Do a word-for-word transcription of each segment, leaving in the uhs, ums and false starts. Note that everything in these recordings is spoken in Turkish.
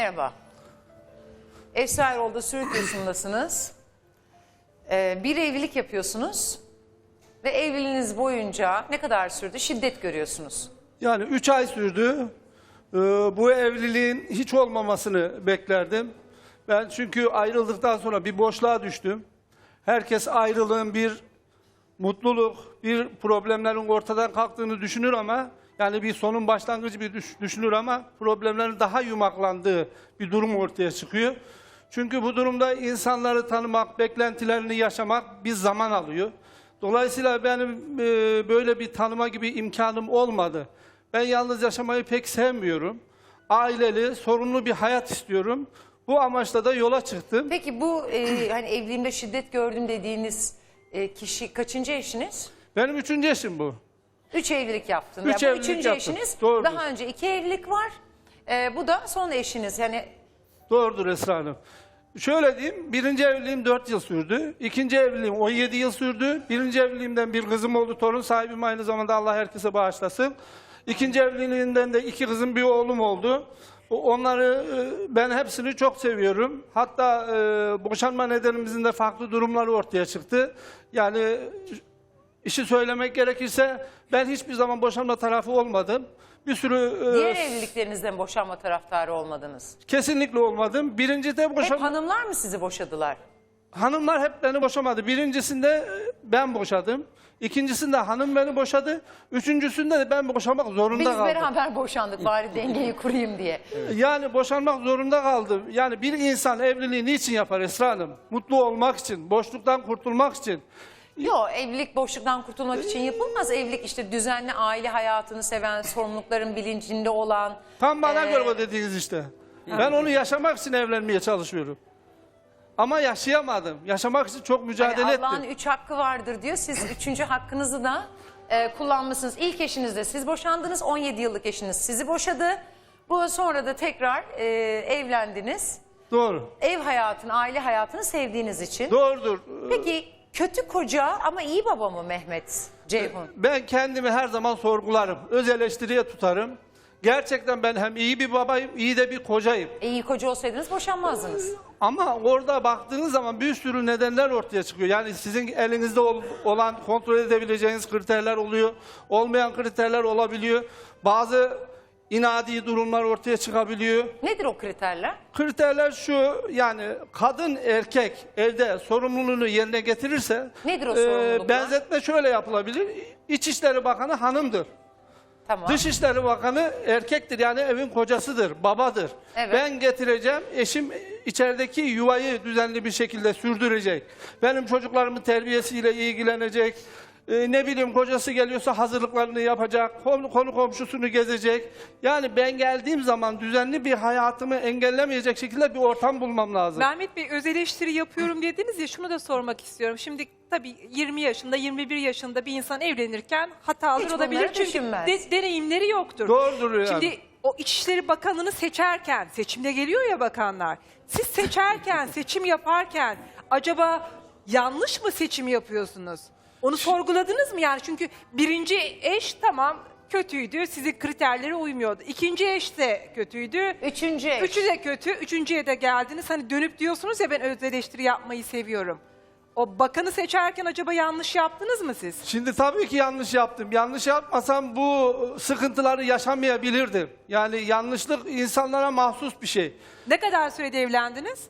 Merhaba. Esra Erol'da Sürük Yosun'dasınız. Ee, bir evlilik yapıyorsunuz ve evliliğiniz boyunca ne kadar sürdü? Şiddet görüyorsunuz. Yani üç ay sürdü. Ee, bu evliliğin hiç olmamasını beklerdim. Ben çünkü ayrıldıktan sonra bir boşluğa düştüm. Herkes ayrılığın bir mutluluk, bir problemlerin ortadan kalktığını düşünür ama yani bir sonun başlangıcı bir düş- düşünür ama problemlerin daha yumaklandığı bir durum ortaya çıkıyor. Çünkü bu durumda insanları tanımak, beklentilerini yaşamak bir zaman alıyor. Dolayısıyla benim e, böyle bir tanıma gibi imkanım olmadı. Ben yalnız yaşamayı pek sevmiyorum. Aileli, sorunlu bir hayat istiyorum. Bu amaçla da yola çıktım. Peki bu e, hani evliliğimde şiddet gördüm dediğiniz e, kişi kaçıncı eşiniz? Benim üçüncü eşim bu. Üç evlilik yaptınız. Üç Yani bu evlilik üçüncü yaptım. eşiniz. Doğrudur. Daha önce iki evlilik var. E, bu da son eşiniz. Yani Doğrudur Esra Hanım. Şöyle diyeyim, birinci evliliğim dört yıl sürdü. İkinci evliliğim on yedi yıl sürdü. Birinci evliliğimden bir kızım oldu, torun sahibim aynı zamanda, Allah herkese bağışlasın. İkinci evliliğinden de iki kızım, bir oğlum oldu. Onları, e, ben hepsini çok seviyorum. Hatta e, boşanma nedenimizin de farklı durumları ortaya çıktı. Yani işi söylemek gerekirse ben hiçbir zaman boşanma tarafı olmadım. Bir sürü e, diğer evliliklerinizden boşanma taraftarı olmadınız. kesinlikle olmadım. Birinci de Hep boşanma... hanımlar mı sizi boşadılar? Hanımlar hep beni boşamadı. Birincisinde e, ben boşadım. İkincisinde hanım beni boşadı. Üçüncüsünde de ben boşamak zorunda Biz kaldım. beraber boşandık bari dengeyi kurayım diye. Yani boşanmak zorunda kaldım. Yani bir insan evliliği niçin yapar Esra Hanım? Mutlu olmak için, boşluktan kurtulmak için. Yok, evlilik boşluktan kurtulmak için yapılmaz. Evlilik işte düzenli aile hayatını seven, sorumlulukların bilincinde olan. Tam bana Ee, göre o dediğiniz işte. Ben onu yaşamak için evlenmeye çalışıyorum. Ama yaşayamadım. Yaşamak için çok mücadele hani ettim. Allah'ın üç hakkı vardır diyor. Siz üçüncü hakkınızı da e, kullanmışsınız. İlk eşinizle siz boşandınız. on yedi yıllık eşiniz sizi boşadı. Bu sonra da tekrar e, evlendiniz. Doğru. Ev hayatını, aile hayatını sevdiğiniz için. Doğrudur. Peki kötü koca ama iyi baba mı Mehmet Ceyhun? Ben kendimi her zaman sorgularım. Öz eleştiriye tutarım. Gerçekten ben hem iyi bir babayım, iyi de bir kocayım. E, iyi koca olsaydınız boşanmazdınız. Ama orada baktığınız zaman bir sürü nedenler ortaya çıkıyor. Yani sizin elinizde ol- olan, kontrol edebileceğiniz kriterler oluyor. Olmayan kriterler olabiliyor. Bazı inadi durumlar ortaya çıkabiliyor. Nedir o kriterler? Kriterler şu, yani kadın erkek evde sorumluluğunu yerine getirirse Nedir o sorumluluklar? benzetme şöyle yapılabilir. İçişleri Bakanı hanımdır. Tamam. Dışişleri Bakanı erkektir, yani evin kocasıdır, babadır. Evet. Ben getireceğim, eşim içerideki yuvayı düzenli bir şekilde sürdürecek. Benim çocuklarımın terbiyesiyle ilgilenecek. Ee, ne bileyim, kocası geliyorsa hazırlıklarını yapacak, konu, konu komşusunu gezecek. Yani ben geldiğim zaman düzenli bir hayatımı engellemeyecek şekilde bir ortam bulmam lazım. Mehmet Bey, öz eleştiri yapıyorum dediniz ya, şunu da sormak istiyorum. Şimdi tabii yirmi yaşında, yirmi bir yaşında bir insan evlenirken hatalar Hiç olabilir. bunları Çünkü düşünmez. de- deneyimleri yoktur. Doğrudur yani. Şimdi o İçişleri Bakanı'nı seçerken, seçimde geliyor ya bakanlar. Siz seçerken, seçim yaparken acaba yanlış mı seçim yapıyorsunuz? Onu sorguladınız mı yani? Çünkü birinci eş tamam kötüydü, sizin kriterlere uymuyordu. İkinci eş de kötüydü. Üçüncü eş. Üçü de kötü. Üçüncüye de geldiniz. Hani dönüp diyorsunuz ya, ben öz eleştiri yapmayı seviyorum. O bakanı seçerken acaba yanlış yaptınız mı siz? Şimdi tabii ki yanlış yaptım. Yanlış yapmasam bu sıkıntıları yaşamayabilirdim. Yani yanlışlık insanlara mahsus bir şey. Ne kadar sürede evlendiniz?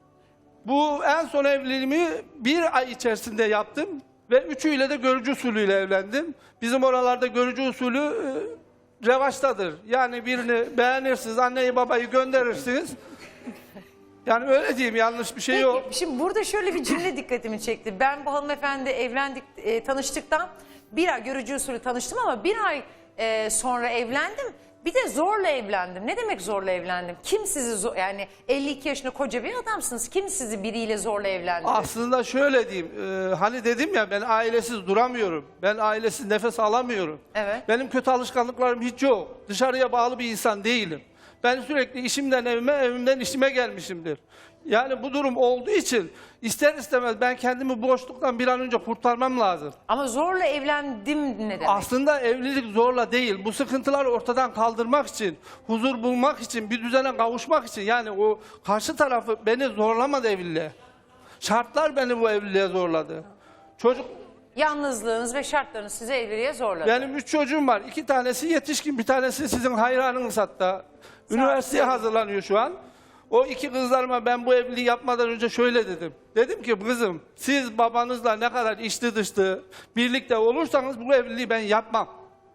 Bu en son evliliğimi bir ay içerisinde yaptım ve üçüyle de görücü usulüyle evlendim. Bizim oralarda görücü usulü e, revaçtadır. Yani birini beğenirsiniz, anneyi babayı gönderirsiniz. Yani öyle diyeyim, yanlış bir şey Peki, yok. şimdi burada şöyle bir cümle dikkatimi çekti. Ben bu hanımefendi evlendik, e, tanıştıktan bir ay görücü usulü tanıştım ama bir ay e, sonra evlendim. Bir de zorla evlendim. Ne demek zorla evlendim? Kim sizi zor, yani elli iki yaşında koca bir adamsınız. Kim sizi biriyle zorla evlendirdi? Aslında şöyle diyeyim, e, hani dedim ya, ben ailesiz duramıyorum. Ben ailesiz nefes alamıyorum. Evet. Benim kötü alışkanlıklarım hiç yok. Dışarıya bağlı bir insan değilim. Ben sürekli işimden evime, evimden işime gelmişimdir. Yani bu durum olduğu için ister istemez ben kendimi boşluktan bir an önce kurtarmam lazım. Ama zorla evlendim ne demek? Aslında evlilik zorla değil. Bu sıkıntıları ortadan kaldırmak için, huzur bulmak için, bir düzene kavuşmak için. Yani o karşı tarafı beni zorlamadı evliliğe. Şartlar beni bu evliliğe zorladı. Çocuk, Yalnızlığınız ve şartlarınız sizi evliliğe zorladı. benim üç çocuğum var. İki tanesi yetişkin, bir tanesi sizin hayranınız hatta. Üniversiteye hazırlanıyor şu an. O iki kızlarıma ben bu evliliği yapmadan önce şöyle dedim. Dedim ki kızım, siz babanızla ne kadar içli dışlı birlikte olursanız bu evliliği ben yapmam.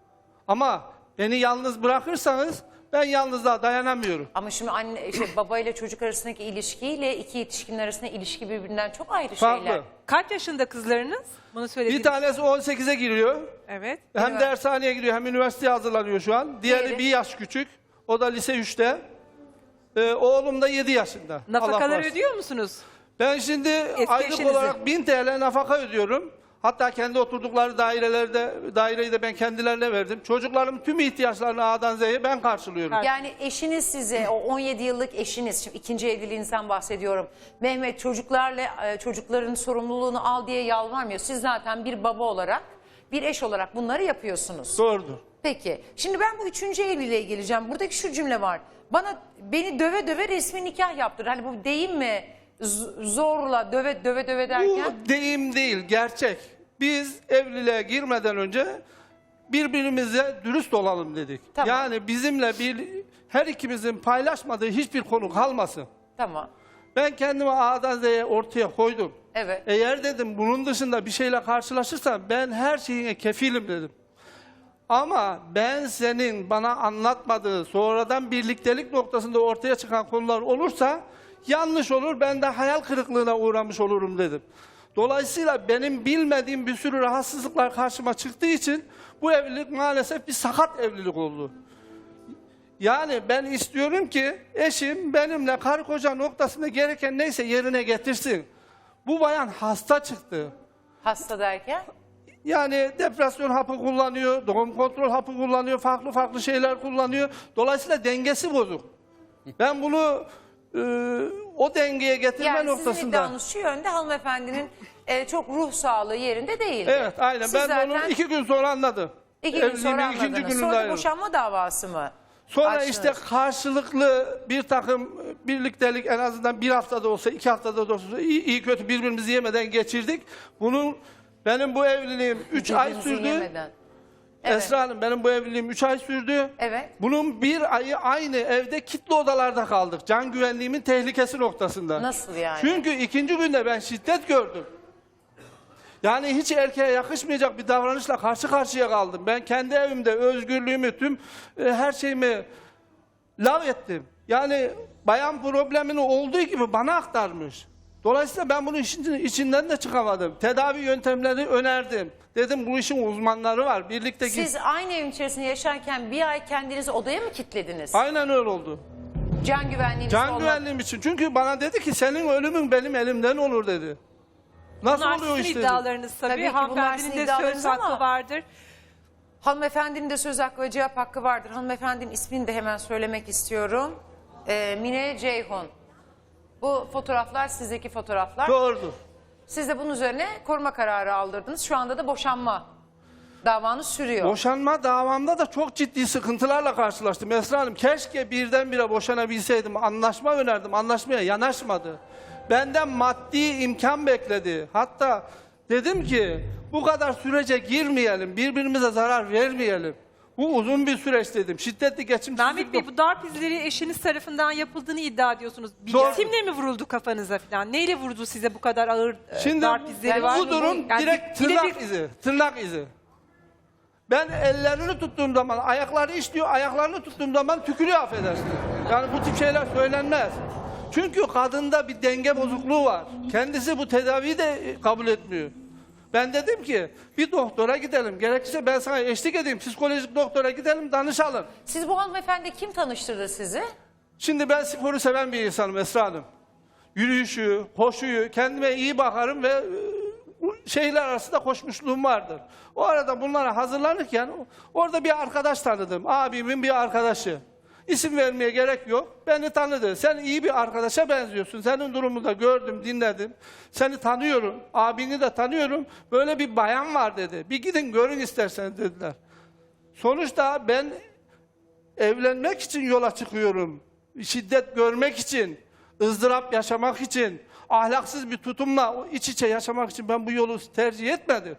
Ama beni yalnız bırakırsanız ben yalnızlığa dayanamıyorum. Ama şimdi anne, işte baba ile çocuk arasındaki ilişkiyle iki yetişkinin arasındaki ilişki birbirinden çok ayrı Farklı. şeyler. Kaç yaşında kızlarınız? Bunu söylediniz. Bir tanesi on sekize giriyor. Evet. Hem Evet. dershaneye gidiyor hem üniversiteye hazırlanıyor şu an. Diğeri Diğeri? bir yaş küçük. O da lise üçte. Ee, oğlum da yedi yaşında. Allah Nafakaları korusun. ödüyor musunuz? Ben şimdi aylık eşinizi. olarak bin T L nafaka ödüyorum. Hatta kendi oturdukları dairelerde, daireyi de ben kendilerine verdim. Çocuklarımın tüm ihtiyaçlarını A'dan Z'ye ben karşılıyorum. Yani eşiniz size, o on yedi yıllık eşiniz, şimdi ikinci evliliğinizden bahsediyorum. Mehmet çocuklarla e, çocukların sorumluluğunu al diye yalvarmıyor. Siz zaten bir baba olarak, bir eş olarak bunları yapıyorsunuz. Doğrudur. Peki, şimdi ben bu üçüncü evliliğe geleceğim. Buradaki şu cümle var. Bana beni döve döve resmi nikah yaptır. Hani bu deyim mi? Z- zorla döve döve döve derken. Bu deyim değil, gerçek. Biz evliliğe girmeden önce birbirimize dürüst olalım dedik. Tamam. Yani bizimle bir her ikimizin paylaşmadığı hiçbir konu kalmasın. Tamam. Ben kendimi A'dan Z'ye ortaya koydum. Evet. Eğer dedim bunun dışında bir şeyle karşılaşırsam ben her şeyine kefilim dedim. Ama ben senin bana anlatmadığı sonradan birliktelik noktasında ortaya çıkan konular olursa yanlış olur, ben de hayal kırıklığına uğramış olurum dedim. Dolayısıyla benim bilmediğim bir sürü rahatsızlıklar karşıma çıktığı için bu evlilik maalesef bir sakat evlilik oldu. Yani ben istiyorum ki eşim benimle karı koca noktasında gereken neyse yerine getirsin. Bu bayan hasta çıktı. Hasta derken? Yani depresyon hapı kullanıyor, doğum kontrol hapı kullanıyor, farklı farklı şeyler kullanıyor. Dolayısıyla dengesi bozuk. Ben bunu e, o dengeye getirme Yani sizin noktasında... iddianız şu yönde, hanımefendinin e, çok ruh sağlığı yerinde değildi. Evet, aynen. Siz Ben zaten onu iki gün sonra anladım. iki gün Evliliğimin sonra ikinci anladınız. gününde Sonra da ayrıldım. boşanma davası mı? Sonra açtınız? işte karşılıklı bir takım birliktelik en azından bir haftada olsa, iki haftada da olsa iyi, iyi kötü birbirimizi yemeden geçirdik. Bunun benim bu evliliğim üç ay Birbirinizi sürdü. yemeden. Evet. Esra Hanım benim bu evliliğim üç ay sürdü. Evet. Bunun bir ayı aynı evde kilitli odalarda kaldık. Can güvenliğimin tehlikesi noktasında. Nasıl yani? Çünkü ikinci günde ben şiddet gördüm. Yani hiç erkeğe yakışmayacak bir davranışla karşı karşıya kaldım. Ben kendi evimde özgürlüğümü, tüm e, her şeyimi lav ettim. Yani bayan problemini olduğu gibi bana aktarmış. Dolayısıyla ben bunun işin, içinden de çıkamadım. Tedavi yöntemleri önerdim. Dedim bu işin uzmanları var. Birlikte Siz aynı evin içerisinde yaşarken bir ay kendinizi odaya mı kilitlediniz? Aynen öyle oldu. Can güvenliğiniz Can olmak- güvenliğim için. Çünkü bana dedi ki senin ölümün benim elimden olur dedi. Nasıl Bunlar oluyor sizin işte? iddialarınız tabii. Tabii ki bunlar Hanımefendinin sizin de iddialarınız söz hakkı ama- vardır. Hanımefendinin de söz hakkı ve cevap hakkı vardır. Hanımefendinin ismini de hemen söylemek istiyorum. Ee, Mine Ceyhun. Bu fotoğraflar sizdeki fotoğraflar. Doğrudur. Siz de bunun üzerine koruma kararı aldırdınız. Şu anda da boşanma davanız sürüyor. Boşanma davamda da çok ciddi sıkıntılarla karşılaştım Esra Hanım. Keşke birdenbire boşanabilseydim. Anlaşma önerdim. Anlaşmaya yanaşmadı. Benden maddi imkan bekledi. Hatta dedim ki bu kadar sürece girmeyelim. Birbirimize zarar vermeyelim. Bu uzun bir süreç dedim. Şiddetli geçimsizlik. Mehmet Bey, bu darp izleri eşiniz tarafından yapıldığını iddia ediyorsunuz. Bir Doğru. cisimle mi vuruldu kafanıza falan? Neyle vurdu size bu kadar ağır e, Şimdi darp izleri yani var? bu durum Yani direkt bir- bir de tırnak bir- izi. Tırnak izi. Ben ellerini tuttuğum zaman ayakları işliyor, ayaklarını tuttuğum zaman tükürüyor affedersin. Yani bu tip şeyler söylenmez. Çünkü kadında bir denge bozukluğu var. Kendisi bu tedaviyi de kabul etmiyor. Ben dedim ki bir doktora gidelim. Gerekirse ben sana eşlik edeyim. Psikolojik doktora gidelim, danışalım. Siz bu hanımefendi kim tanıştırdı sizi? Şimdi ben sporu seven bir insanım Esra Hanım. Yürüyüşü, koşuyu, kendime iyi bakarım ve e, şeyler arasında koşmuşluğum vardır. O arada bunlara hazırlanırken orada bir arkadaş tanıdım. Abimin bir arkadaşı. İsim vermeye gerek yok. Beni tanıdı. Sen iyi bir arkadaşa benziyorsun. Senin durumunu da gördüm, dinledim. Seni tanıyorum. Abini de tanıyorum. Böyle bir bayan var dedi. Bir gidin görün isterseniz dediler. Sonuçta ben evlenmek için yola çıkıyorum. Şiddet görmek için, ızdırap yaşamak için, ahlaksız bir tutumla o iç içe yaşamak için ben bu yolu tercih etmedim.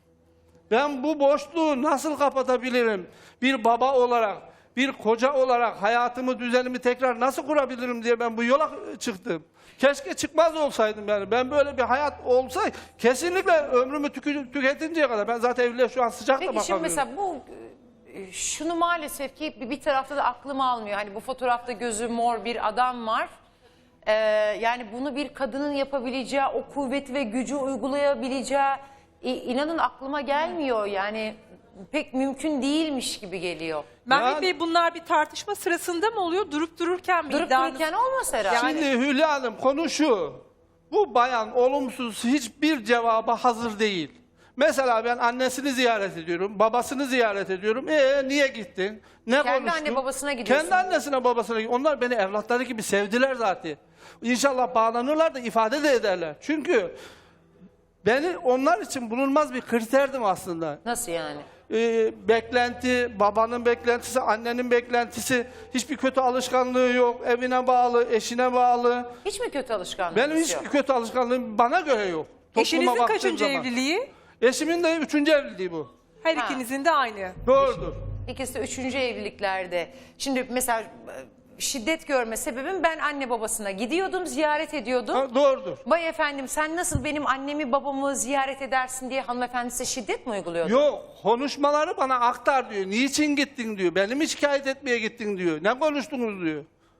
Ben bu boşluğu nasıl kapatabilirim? Bir baba olarak, bir koca olarak hayatımı, düzenimi tekrar nasıl kurabilirim diye ben bu yola çıktım. Keşke çıkmaz olsaydım yani. Ben böyle bir hayat olsa kesinlikle ömrümü tükü- tüketinceye kadar. Ben zaten evliliğe şu an sıcak da Peki bakamıyorum. şimdi mesela bu e, şunu maalesef ki bir, bir tarafta da aklım almıyor. Hani bu fotoğrafta gözü mor bir adam var. Ee, yani bunu bir kadının yapabileceği, o kuvveti ve gücü uygulayabileceği i- inanın aklıma gelmiyor. Yani pek mümkün değilmiş gibi geliyor. Mehmet Yani- Bey bunlar bir tartışma sırasında mı oluyor? Durup dururken mi? Durup İddianız- dururken olmaz herhalde. Yani- Şimdi Hülya Hanım konu şu. Bu bayan olumsuz hiçbir cevaba hazır değil. Mesela ben annesini ziyaret ediyorum, babasını ziyaret ediyorum. Ee niye gittin? Ne Kendi konuştun? anne babasına gidiyorsun. Kendi annesine babasına gidiyorsun. Onlar beni evlatları gibi sevdiler zaten. İnşallah bağlanırlar da ifade de ederler. Çünkü beni onlar için bulunmaz bir kriterdim aslında. Nasıl yani? Ee, beklenti, babanın beklentisi, annenin beklentisi, hiçbir kötü alışkanlığı yok, evine bağlı, eşine bağlı. Hiç mi kötü alışkanlığınız Benim yok? hiçbir kötü alışkanlığım bana göre yok. Topluma Eşinizin baktığım kaçıncı zaman. evliliği? Eşimin de üçüncü evliliği bu. Her Ha. ikinizin de aynı. Doğrudur. İkisi de üçüncü evliliklerde. Şimdi mesela e, şiddet görme sebebim ben anne babasına gidiyordum, ziyaret ediyordum. Ha, doğrudur. Vay efendim sen nasıl benim annemi babamı ziyaret edersin diye hanımefendi size şiddet mi uyguluyordu? Yok, konuşmaları bana aktar diyor. Niçin gittin diyor. Beni mi şikayet etmeye gittin diyor. Ne konuştunuz diyor.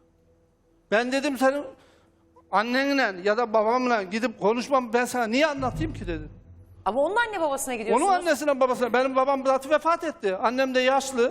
Ben dedim senin annenle ya da babamla gidip konuşmam ben sana niye anlatayım ki dedim. Ama onun anne babasına gidiyorsunuz. Onun annesine babasına. Benim babam zaten vefat etti. Annem de yaşlı.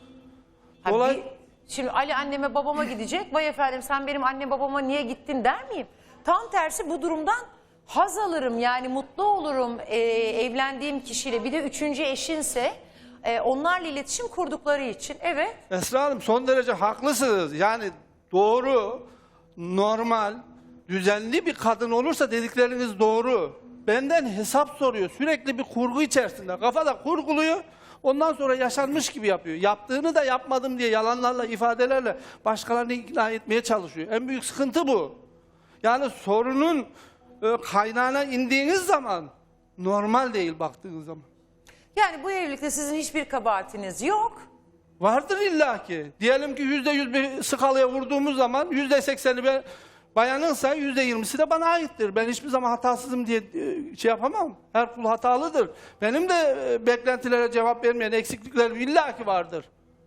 Ha, Olay- bir- şimdi Ali anneme babama gidecek. Vay efendim sen benim anne babama niye gittin der miyim? Tam tersi bu durumdan haz alırım. Yani mutlu olurum e, evlendiğim kişiyle. Bir de üçüncü eşinse e, onlarla iletişim kurdukları için. Evet. Esra Hanım son derece haklısınız. Yani doğru, normal, düzenli bir kadın olursa dedikleriniz doğru. Benden hesap soruyor. Sürekli bir kurgu içerisinde. Kafada kurguluyor. Ondan sonra yaşanmış gibi yapıyor. Yaptığını da yapmadım diye yalanlarla, ifadelerle başkalarını ikna etmeye çalışıyor. En büyük sıkıntı bu. Yani sorunun e, kaynağına indiğiniz zaman normal değil baktığınız zaman. Yani bu evlilikte sizin hiçbir kabahatiniz yok. Vardır illaki. Diyelim ki yüzde yüz bir skalaya vurduğumuz zaman yüzde sekseni ben bayanınsa yüzde yirmisi de bana aittir. Ben hiçbir zaman hatasızım diye e, şey yapamam. Her kul hatalıdır. Benim de e, beklentilere cevap vermeyen eksikliklerim illaki vardır.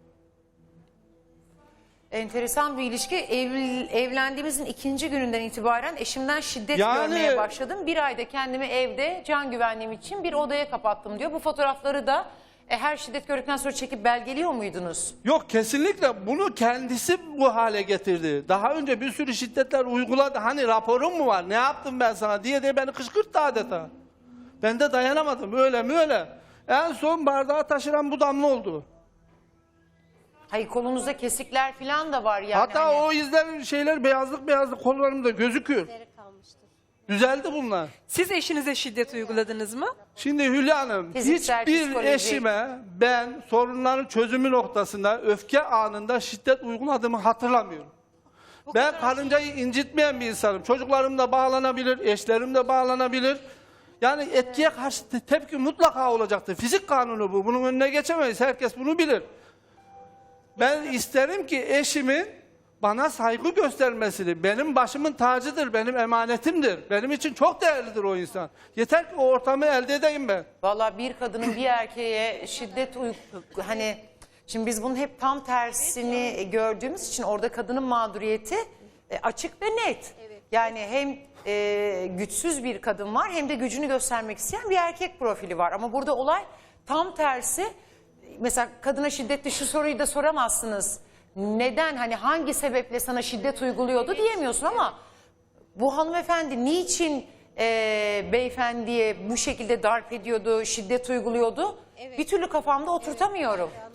Enteresan bir ilişki. Evl- evlendiğimizin ikinci gününden itibaren eşimden şiddet Yani- görmeye başladım. Bir ayda kendimi evde can güvenliğim için bir odaya kapattım diyor. Bu fotoğrafları da e, her şiddet gördükten sonra çekip belgeliyor muydunuz? Yok kesinlikle bunu kendisi bu hale getirdi. Daha önce bir sürü şiddetler uyguladı. Hani raporun mu var? Ne yaptım ben sana diye de beni kışkırttı adeta. Ben de dayanamadım. Öyle mi öyle. En son bardağı taşıran bu damla oldu. Hayır kolunuzda kesikler falan da var yani. Hatta hani- o izler şeyler beyazlık beyazlık kollarımda gözüküyor. Düzeldi bunlar. Siz eşinize şiddet uyguladınız mı? Şimdi Hülya Hanım Fiziksel, hiçbir psikolojik. eşime ben sorunların çözümü noktasında öfke anında şiddet uyguladığımı hatırlamıyorum. Ben karıncayı incitmeyen bir insanım. Çocuklarım da bağlanabilir, eşlerim de bağlanabilir. Yani etkiye karşı te- tepki mutlaka olacaktır. Fizik kanunu bu. Bunun önüne geçemeyiz. Herkes bunu bilir. Ben isterim ki eşimin bana saygı göstermesini, benim başımın tacıdır, benim emanetimdir. Benim için çok değerlidir o insan. Yeter ki o ortamı elde edeyim ben. Vallahi bir kadının bir erkeğe şiddet uy- hani şimdi biz bunun hep tam tersini gördüğümüz için orada kadının mağduriyeti e, açık ve net. Yani hem e, güçsüz bir kadın var hem de gücünü göstermek isteyen bir erkek profili var. Ama burada olay tam tersi. Mesela kadına şiddetli şu soruyu da soramazsınız. Neden hani hangi sebeple sana şiddet uyguluyordu diyemiyorsun ama bu hanımefendi niçin e, beyefendiye bu şekilde darp ediyordu, şiddet uyguluyordu? Bir türlü kafamda oturtamıyorum.